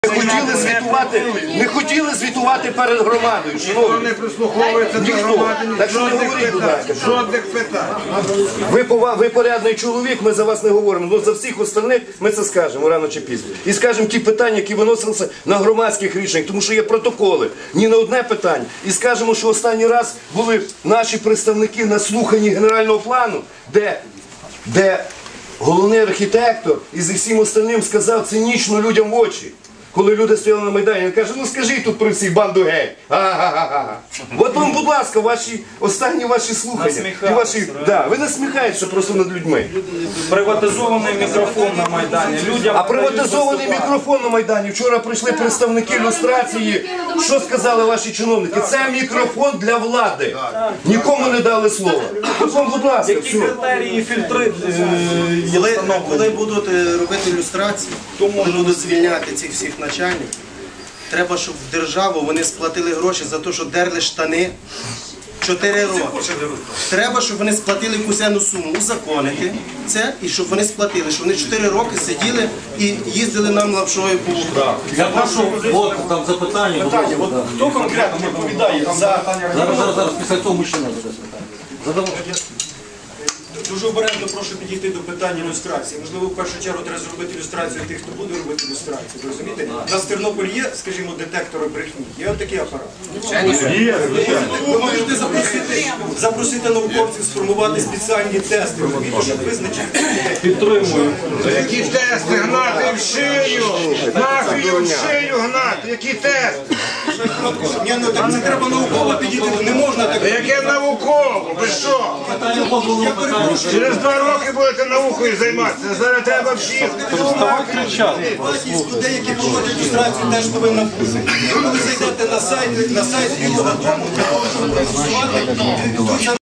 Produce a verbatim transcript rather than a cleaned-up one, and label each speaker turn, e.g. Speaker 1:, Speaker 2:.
Speaker 1: Не хотіли звітувати, не хотіли звітувати перед громадою.
Speaker 2: Ніхто не прислуховується до громади,
Speaker 1: Так що не говоріть, будь ласка.
Speaker 2: жодних питань.
Speaker 1: Ви, пова- ви порядний чоловік, ми за вас не говоримо, але за всіх остальних ми це скажемо рано чи пізно. І скажемо ті питання, які виносилися на громадських рішеннях, тому що є протоколи, ні на одне питання. І скажемо, що останній раз були наші представники на слуханні генерального плану, де, де головний архітектор і зі всім остальним сказав цинічно людям в очі. Коли люди стояли на Майдані, він каже, ну скажіть тут при всіх банду гей. Ага-га-га-га. От вам, будь ласка, ваші, останні ваші слухання. І ваші, да, ви насміхаєтеся просто над людьми.
Speaker 3: Приватизований мікрофон на Майдані. Людям
Speaker 1: А приватизований мікрофон на Майдані. Вчора прийшли представники люстрації. Що сказали ваші чиновники? Це мікрофон для влади. Нікому не дали слова. От вам, будь ласка,
Speaker 3: які
Speaker 1: все.
Speaker 3: критерії, фільтри е, є
Speaker 4: Коли,
Speaker 3: встановлені?
Speaker 4: коли будуть е, робити ілюстрації, коли будуть звільняти цих всіх начальників, треба, щоб в державу вони сплатили гроші за те, що дерли штани чотири роки. Треба, щоб вони сплатили якусь енну суму, узаконити це, і щоб вони сплатили, щоб вони чотири роки сиділи і їздили нам лапшою по вухах.
Speaker 5: Я прошу, от там запитання.
Speaker 1: Питання, от хто конкретно відповідає за...
Speaker 5: Зараз, зараз, зараз, після цього мужчина задасть питання. Задавайте.
Speaker 6: Дуже обережно прошу підійти до питання ілюстрації. Можливо, в першу чергу треба зробити ілюстрацію тих, хто буде робити ілюстрацію. Ви розумієте? У нас в Тернополі є, скажімо, детектори брехні. Є отакий апарат. Ви можете запросити, запросити науковців сформувати спеціальні тести, розумієте, щоб визначити.
Speaker 3: Підтримую.
Speaker 2: Які тести гнати в шию? Мафію в шию гнати, які тести?
Speaker 6: Ні, ну так це треба науково підійти, не можна так.
Speaker 2: Яке науково? Ви що?
Speaker 6: Я перепрошую.
Speaker 2: Через два роки будете наукою займатися, зараз треба всіх.
Speaker 6: Вартість людей, які проводять ілюстрацію, теж повинна бути. Ви коли зайдете на сайт, на сайт Білого дому, для того, щоб проголосувати,